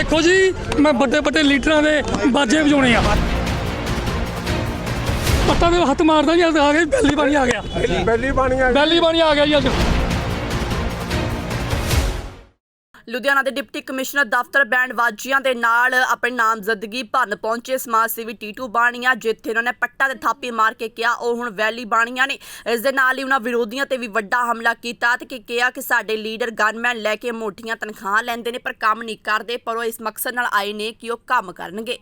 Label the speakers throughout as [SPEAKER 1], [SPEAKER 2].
[SPEAKER 1] देखो जी मैं बड़े बड़े लीडर के बाजे बजाने पत्ता तो हथ मारदा जी आ गया बैली पानी आ गया बैली पानी आ गया जी अज
[SPEAKER 2] ਲੁਧਿਆਣਾ ਦੇ ਡਿਪਟੀ ਕਮਿਸ਼ਨਰ ਦਫ਼ਤਰ ਬੈਂਡ ਵਾਜੀਆਂ ਦੇ ਨਾਲ ਆਪਣੀ ਨਾਮਜ਼ਦਗੀ ਭਰਨ ਪਹੁੰਚੇ ਸਮਾਜ ਸੇਵੀ ਟੀਟੂ ਬਾਣੀਆਂ, ਜਿੱਥੇ ਉਹਨਾਂ ਨੇ ਪੱਟਾ ਤੇ ਥਾਪੀ ਮਾਰ ਕੇ ਕਿਹਾ ਉਹ ਹੁਣ ਵੈਲੀ ਬਾਣੀਆਂ ਨੇ। ਇਸ ਦੇ ਨਾਲ ਹੀ ਉਹਨਾਂ ਵਿਰੋਧੀਆਂ ਤੇ ਵੀ ਵੱਡਾ ਹਮਲਾ ਕੀਤਾ ਤੇ ਕਿਹਾ ਕਿ ਸਾਡੇ ਲੀਡਰ ਗਨਮੈਨ ਲੈ ਕੇ ਮੋਟੀਆਂ ਤਨਖਾਹਾਂ ਲੈਂਦੇ ਨੇ ਪਰ ਕੰਮ ਨਹੀਂ ਕਰਦੇ, ਪਰ ਉਹ ਇਸ ਮਕਸਦ ਨਾਲ ਆਏ ਨੇ ਕਿ ਉਹ ਕੰਮ ਕਰਨਗੇ।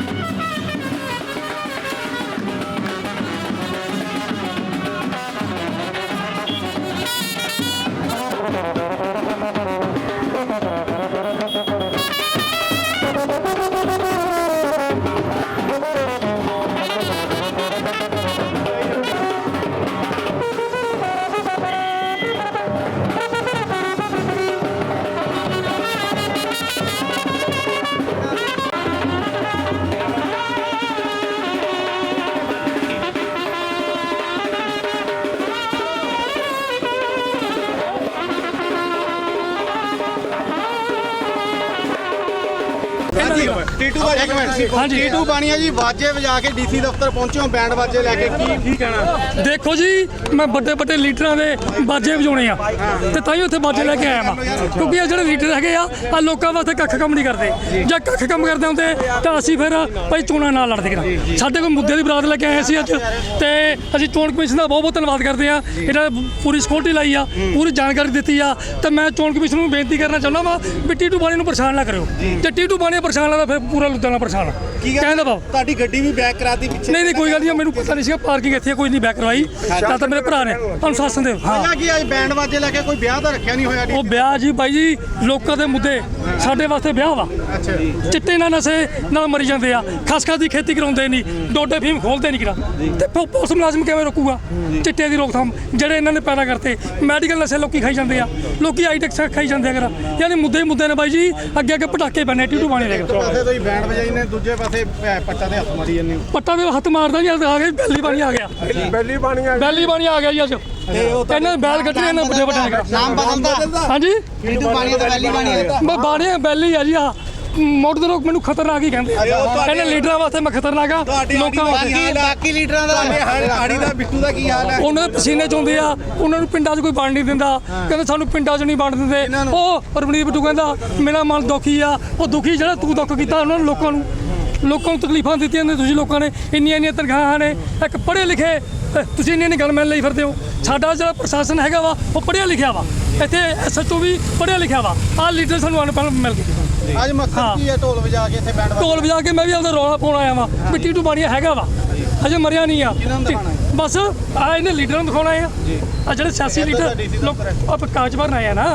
[SPEAKER 3] टीटू बाणिया जी बाजे बजा के डीसी दफ्तर पहुंचे हो बैंड बाजे लेके की कहना?
[SPEAKER 1] देखो जी मैं बड़े बड़े लीडर के बाजे बजाने तो तां उत्थे बाजे लैके आया वा, क्योंकि ये जो लीडर है आ लोगों वास्ते कख कम नहीं करते। जे कख कम करते होंगे तो असीं फिर भाई चोणां ना लड़दे करा। साडे कोल मुद्दे की बरात लैके आए सी अज ते असीं चोण कमिशन का बहुत बहुत धन्नवाद करते हैं। इन्होंने पूरी सिक्योरिटी लाई आ, पूरी जानकारी दी आ, तो मैं चोण कमिशन नूं बेनती करना चाहुंदा वा भी टीटू बाणी नूं परेशान ना करियो। जे टीटू बाणी परेशान लगदा फिर पूरा लुधियाना परेशान कहंदा बाब
[SPEAKER 3] ਤੁਹਾਡੀ ਗੱਡੀ ਵੀ ਬੈਕ ਕਰਾਤੀ ਪਿੱਛੇ?
[SPEAKER 1] नहीं कोई गल नहीं, मैनूं पता नहीं सी पार्किंग इत्थे कोई नहीं बैक करवाई तो मेरे भरा ने अनुशासन दे। हाँ
[SPEAKER 3] कि आज बैंड बाजे लेके कोई ब्याह ਤਾਂ ਰੱਖਿਆ ਨਹੀਂ ਹੋਇਆ?
[SPEAKER 1] ਉਹ ਵਿਆਹ ਜੀ ਬਾਈ ਜੀ ਲੋਕਾਂ ਦੇ ਮੁੱਦੇ ਸਾਡੇ ਵਾਸਤੇ ਵਿਆਹ ਵਾ।
[SPEAKER 3] ਅੱਛਾ
[SPEAKER 1] ਚਿੱਟੇ ਨਾਲ ਨਸ਼ੇ ਨਾਲ ਮਰੀ ਜਾਂਦੇ ਆ, ਖਸਖਸ ਦੀ ਖੇਤੀ ਕਰਾਉਂਦੇ ਨਹੀਂ, ਡੋਡੇ ਫੀਮ ਖੋਲਦੇ ਨਹੀਂ ਕਿਰਾ ਤੇ ਪੁਲਿਸ ਮੁਲਾਜ਼ਮ ਕਿਵੇਂ ਰੋਕੂਗਾ ਚਿੱਟੇ ਦੀ ਰੋਕਥਾਮ ਜਿਹੜੇ ਇਹਨਾਂ ਨੇ ਪੈਦਾ ਕਰਤੇ। ਮੈਡੀਕਲ ਨਸ਼ੇ ਲੋਕੀ ਖਾਈ ਜਾਂਦੇ ਆ, ਲੋਕੀ ਆਈਟੈਕਸ ਖਾਈ ਜਾਂਦੇ ਆ ਕਰਾ, ਯਾਨੀ ਮੁੱਦੇ ਮੁੱਦੇ ਨੇ ਬਾਈ ਜੀ ਅੱਗੇ ਅੱਗੇ ਪਟਾਕੇ ਪੈਣੇ ਟੀਟੂ ਬਾਣੀ ਦੇ।
[SPEAKER 3] ਪਾਸੇ ਤੋਂ ਹੀ ਬੈਂਡ ਵਜਾਈ ਨੇ, ਦੂਜੇ ਪਾਸੇ ਪੱਟਾ ਦੇ ਹੱਥ ਮਾਰੀ ਜਾਂਦੇ।
[SPEAKER 1] ਪੱਟਾ ਦੇ ਹੱਥ ਮਾਰਦਾ ਜੀ ਆ ਗਿਆ ਬੈਲੀ ਪਾਣੀ ਆ ਗਿਆ ਬੈਲੀ ਪਾਣੀ ਆ ਗਿਆ ਜੀ ਅੱਜ ਇਹਨਾਂ ਬੈਲ ਕੱਢੇ ਇਹਨਾਂ ਵੱਡੇ ਵੱਡੇ
[SPEAKER 3] ਨਾਮ ਬਦਲਦਾ?
[SPEAKER 1] ਹਾਂਜੀ
[SPEAKER 3] टीटू बाणिया तो वैली बाणिया
[SPEAKER 1] ਮੈਂ ਬਾਣੀਆਂ ਬੈਲੀ ਆ ਜੀ ਆ ਮੋਟਰ ਦੇ ਲੋਕ ਮੈਨੂੰ ਖਤਰਨਾਕ ਹੀ ਕਹਿੰਦੇ ਇਹਨਾਂ ਲੀਡਰਾਂ ਵਾਸਤੇ ਮੈਂ ਖਤਰਨਾਕ ਆ ਲੋਕਾਂ ਵਾਸਤੇ।
[SPEAKER 3] ਬਾਕੀ ਲੀਡਰਾਂ ਦਾ ਆੜੀ ਦਾ ਬਿੱਟੂ ਦਾ ਕੀ ਹਾਲ ਹੈ?
[SPEAKER 1] ਉਹਨਾਂ ਦੇ ਪਸੀਨੇ ਚੋਂਦੇ ਆ, ਉਹਨਾਂ ਨੂੰ ਪਿੰਡਾਂ 'ਚ ਕੋਈ ਵੰਡ ਨਹੀਂ ਦਿੰਦਾ, ਕਹਿੰਦੇ ਸਾਨੂੰ ਪਿੰਡਾਂ 'ਚ ਨਹੀਂ ਵੰਡ ਦਿੰਦੇ। ਉਹ ਰਵਨੀਤ ਬਿੱਟੂ ਕਹਿੰਦਾ ਮੇਰਾ ਮਨ ਦੁਖੀ ਆ, ਉਹ ਦੁਖੀ ਜਿਹੜਾ ਤੂੰ ਦੁੱਖ ਕੀਤਾ ਉਹਨਾਂ ਨੂੰ ਲੋਕਾਂ ਨੂੰ ਤਕਲੀਫਾਂ ਦਿੱਤੀਆਂ ਨੇ ਤੁਸੀਂ ਲੋਕਾਂ ਨੇ, ਇੰਨੀਆਂ ਤਨਖਾਹਾਂ ਨੇ। ਇੱਕ ਪੜ੍ਹੇ ਲਿਖੇ ਤੁਸੀਂ ਇੰਨੀ ਗਨਮੈਨ ਲਈ ਫਿਰਦੇ ਹੋ। ਸਾਡਾ ਜਿਹੜਾ ਪ੍ਰਸ਼ਾਸਨ ਹੈਗਾ ਵਾ ਉਹ ਪੜ੍ਹਿਆ ਲਿਖਿਆ ਵਾ, ਇੱਥੇ ਐਸਐਚਓ ਵੀ ਪੜ੍ਹਿਆ ਲਿਖਿਆ ਵਾ। ਆਹ ਲੀਡਰ ਸਾਨੂੰ ਅਨਪੜ੍ਹ ਮਿਲ ਗਏ।
[SPEAKER 3] ਅੱਜ ਮਕਸਦ ਕੀ ਹੈ ਢੋਲ ਵਜਾ ਕੇ ਇੱਥੇ ਬੈਂਡ
[SPEAKER 1] ਢੋਲ ਵਜਾ ਕੇ ਮੈਂ ਵੀ ਆਪਦਾ ਰੌਲਾ ਪਾਉਣ ਆਇਆ ਵਾਂ ਵੀ ਟੀਟੂ ਬਾਣੀਆ ਹੈਗਾ ਵਾ, ਅਜੇ ਮਰਿਆ ਨਹੀਂ ਆ। ਬਸ ਆ ਇਹਨੇ ਲੀਡਰਾਂ ਨੂੰ ਦਿਖਾਉਣਾ ਆ ਜਿਹੜੇ ਸਿਆਸੀ ਲੀਡਰ ਲੋਕ ਆਪ ਕਾਗਜ਼ ਭਰਨ ਆਏ ਆ ਨਾ,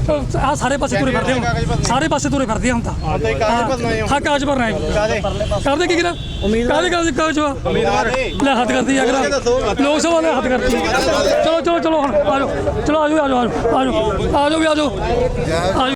[SPEAKER 1] ਆ ਸਾਰੇ ਪਾਸੇ ਤੁਰੇ ਫਿਰਦੇ ਹੁਣ, ਸਾਰੇ ਪਾਸੇ ਤੁਰੇ ਫਿਰਦੇ ਹੁਣ ਤਾਂ। ਹਾਂ ਕਾਗਜ਼ ਭਰਨ ਆਏ ਕਰਦੇ ਕੀ ਕਰਾਂ ਕਾਹਦੇ ਕਾਗਜ਼ ਵਾ ਲੈ ਹੱਥ ਕਰਦੀ ਆ ਕਰਾਂ ਲੋਕ ਸਭਾ ਨੇ ਹੱਥ ਕਰਦੀ। ਚਲੋ ਹੁਣ ਆ ਜਾਓ, ਚਲੋ ਆ ਜਾਓ ਵੀ ਆ ਜਾਓ।